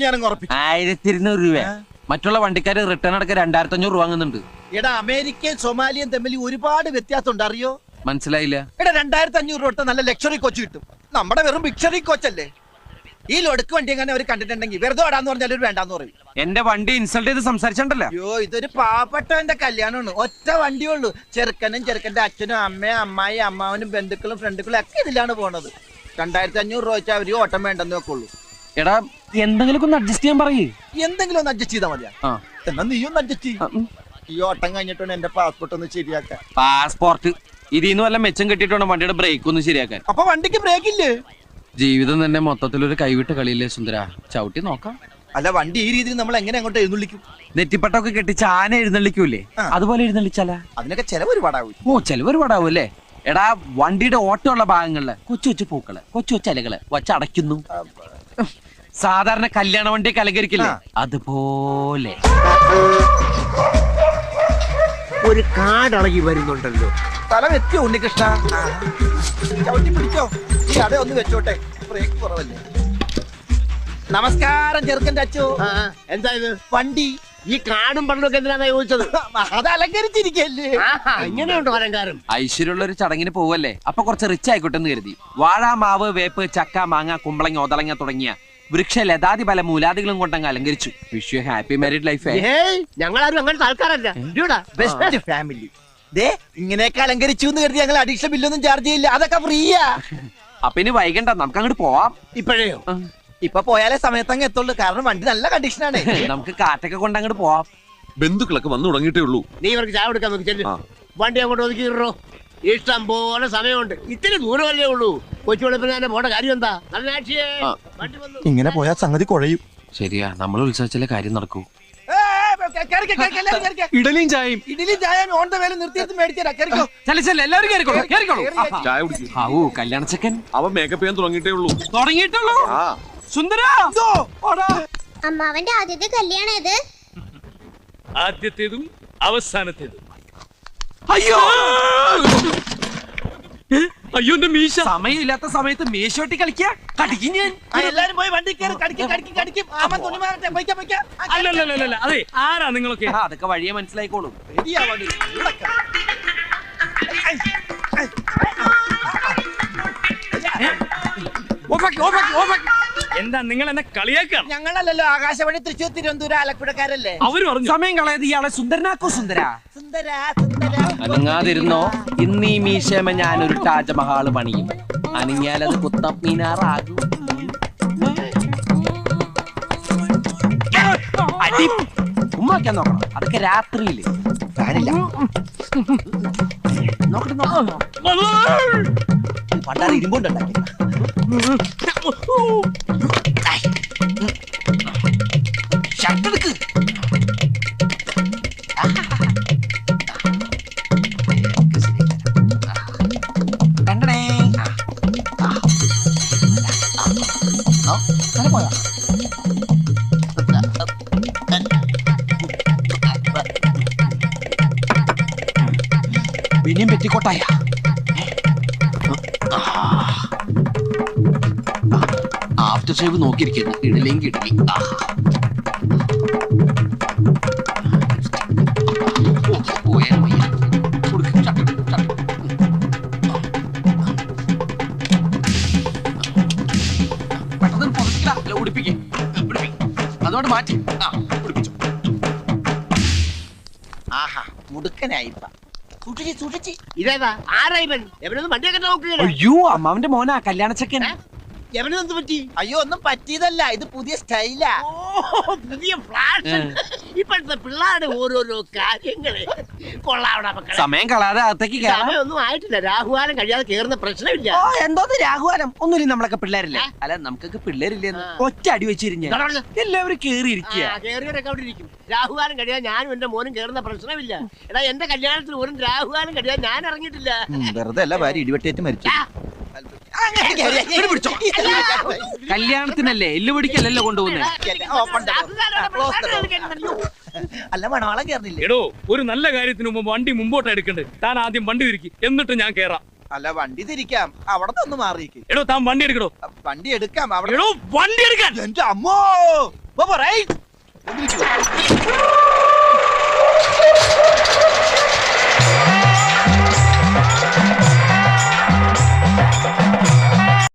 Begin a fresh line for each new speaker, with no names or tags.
ഞാനങ്ങ് ഉറപ്പിച്ചു.
1200 രൂപ. മറ്റുള്ള വണ്ടിക്കാര് റിട്ടേൺ അടക്കം 2500 രൂപ വാങ്ങുന്നുണ്ട്.
എടാ അമേരിക്കയും സൊമാലിയും തമ്മിൽ ഒരുപാട് വ്യത്യാസം ഉണ്ട്, അറിയോ?
മനസ്സിലായില്ല.
എടാ 2500 രൂപ നല്ല ലക്ഷറി കോച്ച് കിട്ടും. നമ്മുടെ വെറും ബിക്ഷറി കോച്ചല്ലേ. ഈ ലൊടുക്ക് വണ്ടി എങ്ങനെ അവർ കണ്ടിട്ടുണ്ടെങ്കിൽ വെറുതെ ഓടാന്ന് പറഞ്ഞാൽ ഒരു വേണ്ടാന്ന് പറയും.
എന്റെ വണ്ടി ഇൻസൾട്ട് ചെയ്ത് സംസാരിച്ചിട്ടുണ്ടല്ലോ.
അയ്യോ, ഇതൊരു പാവപ്പെട്ടവന്റെ കല്യാണമാണ്. ഒറ്റ വണ്ടിയുള്ളൂ. ചെറുക്കനും ചെറുക്കന്റെ അച്ഛനും അമ്മയും അമ്മായി അമ്മാവനും ബന്ധുക്കളും ഫ്രണ്ടുക്കളും ഒക്കെ ഇതിലാണ് പോണത്. 2500 രൂപ വെച്ചാൽ അവര് ഓട്ടം വേണ്ടെന്ന് വെക്കുള്ളൂ.
എടാ എന്തെങ്കിലും ഒന്ന് അഡ്ജസ്റ്റ് ചെയ്യാൻ പറയേ.
എന്തെങ്കിലും ഒന്ന് അഡ്ജസ്റ്റ് ചെയ്താൽ മതിയാ. എന്നാ നീ ഒന്ന് അഡ്ജസ്റ്റ് ചെയ്യും. ഈ ഓട്ടം കഴിഞ്ഞിട്ടുണ്ട് എന്റെ പാസ്പോർട്ട് ഒന്ന് ശരിയാക്കാൻ.
പാസ്പോർട്ട് ഇതിന്ന് വല്ല മെച്ചം കെട്ടിട്ട് വണ്ടിയുടെ ബ്രേക്ക് ഒന്ന് ശരിയാക്കാൻ.
അപ്പൊ വണ്ടിക്ക് ബ്രേക്ക് ഇല്ലേ?
ജീവിതം തന്നെ മൊത്തത്തിലൊരു കൈവിട്ട കളിയില്ലേ സുന്ദര. ചവിട്ടി നോക്കാം.
അല്ല, വണ്ടി ഈ രീതിയിൽ നമ്മൾ എങ്ങനെ അങ്ങോട്ട് എഴുന്നള്ളിക്കും?
നെറ്റിപ്പട്ടൊക്കെ കെട്ടിച്ച് ആന എഴുന്നള്ളിക്കൂലേ, അതുപോലെ എഴുന്നള്ളിച്ചാലാ?
അതിനൊക്കെ ചെലവ് ഒരുപാടാവും.
ഓ, ചെലവ് ഒരുപാടാവും അല്ലേ? എടാ വണ്ടിയുടെ ഓട്ടമുള്ള ഭാഗങ്ങളില് കൊച്ചു കൊച്ചു പൂക്കള്, കൊച്ചു കൊച്ചു ഇലകള് വച്ചടയ്ക്കുന്നു. സാധാരണ കല്യാണ വണ്ടിയൊക്കെ അലങ്കരിക്കില്ലേ, അതുപോലെ.
ഒരു കാടളകി വരുന്നുണ്ടല്ലോ.
സ്ഥലം എത്തിയോ ഉണ്ണികൃഷ്ണ? ചവിട്ടി പിടിച്ചോ. ഈ അട ഒന്ന് വെച്ചോട്ടെ, ബ്രേക്ക് കുറവല്ലേ. നമസ്കാരം ചെറുക്കന്റെ അച്ചു.
എന്താ ഇത്?
വണ്ടി.
ഈ കാടും പണ്ടൊക്കെ എന്തിനാ ചോദിച്ചത്?
അത് അലങ്കരിച്ചിരിക്കല്ലേ.
ഇങ്ങനെയുണ്ടോ അലങ്കാരം?
ഐശ്വര്യമുള്ള ഒരു ചടങ്ങിന് പോവല്ലേ, അപ്പൊ കുറച്ച് റിച്ച് ആയിക്കോട്ടെ എന്ന് കരുതി. വാഴ, മാവ്, വേപ്പ്, ചക്ക, മാങ്ങ, കുമ്പളങ്ങ, ഒതളങ്ങ തുടങ്ങിയ വൃക്ഷ ലതാതി പല മൂലാദികളും കൊണ്ടങ്ങ് അലങ്കരിച്ചു. Wish you happy married life.
ഞങ്ങളാരും അങ്ങനത്തെ ആൾക്കാരല്ല.
Best family. ദേ ഇങ്ങനെയൊക്കെ അലങ്കരിച്ചു എന്ന് കരുതി ഞങ്ങൾ അഡീഷണൽ ബില്ലൊന്നും ചാർജ് ചെയ്യില്ല. അതൊക്കെ ഫ്രീയാ.
അപ്പൊ ഇനി വൈകണ്ട, നമുക്ക് അങ്ങോട്ട് പോവാം.
ഇപ്പോഴേയോ?
ഇപ്പൊ പോയാലേ സമയത്തങ്ങ് എത്തുള്ളൂ. കാരണം വണ്ടി നല്ല കണ്ടീഷനാണ്.
നമുക്ക് കാറ്റൊക്കെ കൊണ്ട് അങ്ങോട്ട് പോവാം.
ബന്ധുക്കളൊക്കെ വന്നു തുടങ്ങിയിട്ടേ ഉള്ളൂ.
നീ ഇവർക്ക് ചായ കൊടുക്കാൻ നോക്കി ചെല്ലു. വണ്ടി അങ്ങോട്ട് ഒതുക്കിയിട്ടോ. ഇഷ്ടം പോലെ സമയമുണ്ട്. ഇത്തിരി ദൂരമല്ലേ ഉള്ളൂ. കൊച്ചു വെളുപ്പിന് തന്നെ പോണ്ട കാര്യം എന്താ?
ഇങ്ങനെ പോയാൽ സംഗതി കുഴയും.
ശരിയാ, നമ്മൾ ഉത്സവിച്ചാലേ കാര്യം നടക്കൂ.
ഇഡലിയും ചായയും.
ഇഡലി ചായ ഓൺ ദ വേല നിർത്തിയെടുത്ത് മേടിച്ചേരാ. കേറിക്കോ.
എല്ലാവരും കേറിക്കോളൂ.
ചായ കുടിക്കും.
ഹാവൂ, കല്യാണ ചെക്കൻ
അവൻ മേക്കപ്പ് ചെയ്യാൻ തുടങ്ങിയിട്ടേ ഉള്ളൂ.
തുടങ്ങിയിട്ടുള്ളൂ. സുന്ദര,
അമ്മാവന്റെ ആദ്യത്തെ കല്യാണം ഇത്.
ആദ്യത്തേതും അവസാനത്തേതും.
അയ്യോ
അയ്യോ, എന്റെ മീശ.
സമയമില്ലാത്ത സമയത്ത് മീശോട്ടി കളിക്കാ. കടിക്കും ഞാൻ.
എല്ലാരും പോയി വണ്ടി കയറി. കടിക്കും. ആമ തുണി മാറട്ടെ.
അല്ലല്ല, അതെ, ആരാ നിങ്ങളൊക്കെ?
അതൊക്കെ വഴിയെ മനസ്സിലായിക്കോളും.
എന്താ നിങ്ങൾ എന്നെ കളിയാക്കാം?
ഞങ്ങളല്ലല്ലോ ആകാശവാണി തൃശ്ശൂർ തിരുവനന്തപുരം ആലപ്പുഴക്കാരല്ലേ.
അവര് പറഞ്ഞു
സമയം കളയത് ഇയാളെ സുന്ദരനാക്കോ. സുന്ദര അനങ്ങാതിരുന്നോ. ഇന്ന് ഈ മീശമ ഞാനൊരു താജ്മഹാള് പണിയും. അനങ്ങിയാലത് കുത്തബ് മീനാറാകും. അടി ഉമ്മാക്കാൻ നോക്കണം. അതൊക്കെ രാത്രിയില്.
പണ്ടാറ് ഇരുമ്പുണ്ടാക്കി. ഷർട്ടെടുക്ക്.
പിന്നെയും പെറ്റിക്കോട്ടായ. After shave നോക്കിയിരിക്കുന്നു. ഇടലേം കിടലി. അതോട് മാറ്റി
ആഹാ, മുടുക്കനായിപ്പ. സൂക്ഷിച്ച്.
ഇതേതാ? ആരാ ഇവൻ? എവനൊന്നും വണ്ടിയൊക്കെ നോക്കുകയാണ്.
അയ്യോ, അമ്മാവന്റെ മോനാ കല്യാണ ചെക്കൻ.
എവനെന്ത് പറ്റി?
അയ്യോ, ഒന്നും പറ്റിയതല്ല. ഇത് പുതിയ സ്റ്റൈലാ.
പുതിയ ഫ്ലാഷൻ. ഇപ്പോഴത്തെ പിള്ളേരുടെ ഓരോരോ കാര്യങ്ങള് കൊള്ളാവണ മക്കളെ.
സമയം കളാതെ അകത്തേക്ക്
സമയമൊന്നും ആയിട്ടില്ല. രാഹുകാലം കഴിയാതെ കേറുന്ന പ്രശ്നമില്ല.
എന്തോന്ന് രാഘുവാനം? ഒന്നുമില്ല, നമ്മളൊക്കെ പിള്ളേരല്ലേ. അല്ല, നമുക്കൊക്കെ പിള്ളേരില്ലെന്ന് ഒറ്റ അടി വെച്ചിരിഞ്ഞ എല്ലാവരും കേറിയിരിക്കുക.
കേറിയവരൊക്കെ അവിടെ ഇരിക്കും. രാഹുകാലം കഴിയാൻ ഞാനും എന്റെ മോനും കേറുന്ന പ്രശ്നമില്ല. എടാ, എന്റെ കല്യാണത്തിന് ഒരു രാഹുകാലം കഴിയാൻ ഞാൻ ഇറങ്ങിയിട്ടില്ല.
വെറുതെ അല്ല, ഭാര്യ ഇടിവെട്ടേറ്റ് മരിച്ചു.
കല്യാണത്തിനല്ലേ, എല്ലു പിടിക്കല്ലല്ലോ കൊണ്ടുപോകുന്നേ.
അല്ല, മണവാളം കേറില്ലേ?
എടോ, ഒരു നല്ല കാര്യത്തിന് മുമ്പ് വണ്ടി മുമ്പോട്ട് എടുക്കണ്ടേ. താൻ ആദ്യം വണ്ടി തിരിക്കി, എന്നിട്ട് ഞാൻ കേറാം.
അല്ല വണ്ടി തിരിക്കാം അവിടെ നിന്ന് മാറിയിക്ക്.
എടോ താൻ വണ്ടി എടുക്കടോ.
വണ്ടി എടുക്കാം അവിടെ.
എടോ വണ്ടി എടുക്കാൻ.
എന്റെ അമ്മോ. പോ, പോ, റൈറ്റ്.